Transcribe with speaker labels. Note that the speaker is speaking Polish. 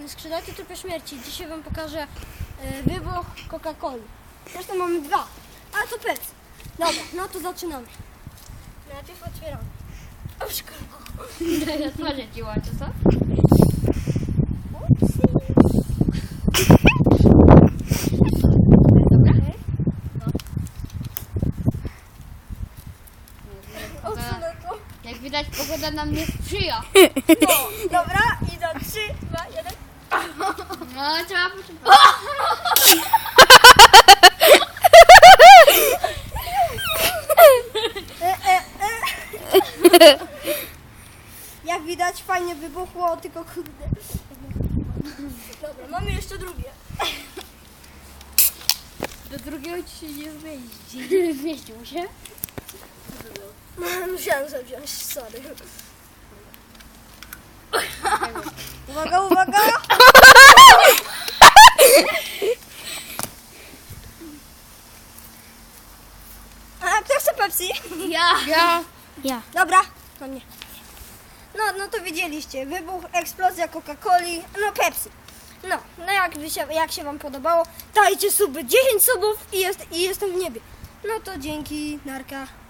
Speaker 1: Skrzydlaty Trupy Śmierci. Dzisiaj wam pokażę wybuch Coca-Coli. Zresztą mamy dwa, a to Pepsi. Dobra, no to zaczynamy. Najpierw otwieramy. O, szkoda.
Speaker 2: Ja tworzę ci łączę, co? Jak widać, pogoda nam nie sprzyja.
Speaker 1: No, dobra, i za 3, 2, 1.
Speaker 2: No, trzeba poszukać.
Speaker 1: Jak widać, fajnie wybuchło, tylko kurde. Dobra, mamy jeszcze drugie.
Speaker 2: Do drugiego ci się nie zmieści. Zmieścił się?
Speaker 1: Musiałem sobie wziąć, sorry. Uwaga, uwaga! A kto chce Pepsi?
Speaker 2: Ja.
Speaker 1: Dobra, to mnie. No to widzieliście, wybuch, eksplozja Coca-Coli, no Pepsi. No jak się wam podobało, dajcie suby, 10 subów i jestem w niebie. No to dzięki, narka.